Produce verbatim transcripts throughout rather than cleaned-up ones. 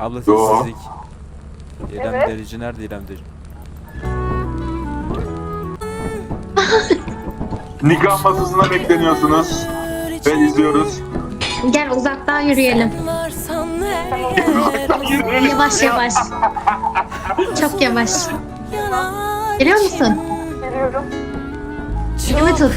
Abla Yo. sessizlik. İrem Evet. Derici nerede İrem Derici? Nikah masasına bekleniyorsunuz. Ve izliyoruz. Gel uzaktan yürüyelim. Yavaş yavaş. Çok yavaş. Geliyor musun? Geliyorum. Elimi tut.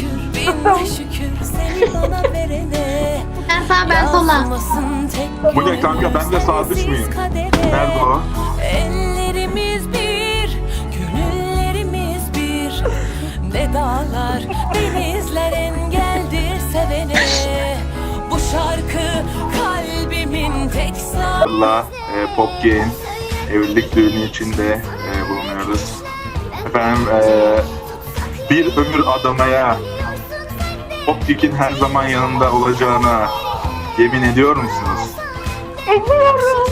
Sen sağ ben sola. Bu ne kanka, ben de sağ düş müyüm? Nerede o? Ellerimiz bir, gönüllerimiz bir. Ne dağlar, denizler engeldir sevene. Bu şarkı kalbimin tek sağ. Allah, e, Pop Game evlilik düğünü içinde e, bulunuyoruz. Efendim, e, bir ömür adamaya Popgeek'in her zaman yanında olacağına yemin ediyor musunuz? Ediyorum.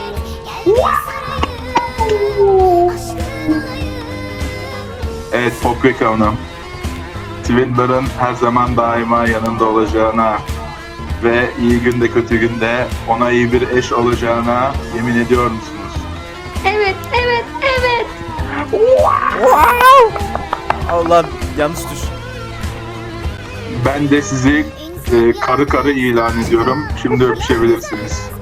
Evet Popgeek Hanım, Twinler'ın her zaman daima yanında olacağına ve iyi günde kötü günde ona iyi bir eş olacağına yemin ediyor musunuz? Evet, evet, evet. Allah yanlış düş. Ben de sizi e, karı karı ilan ediyorum. Şimdi öpüşebilirsiniz.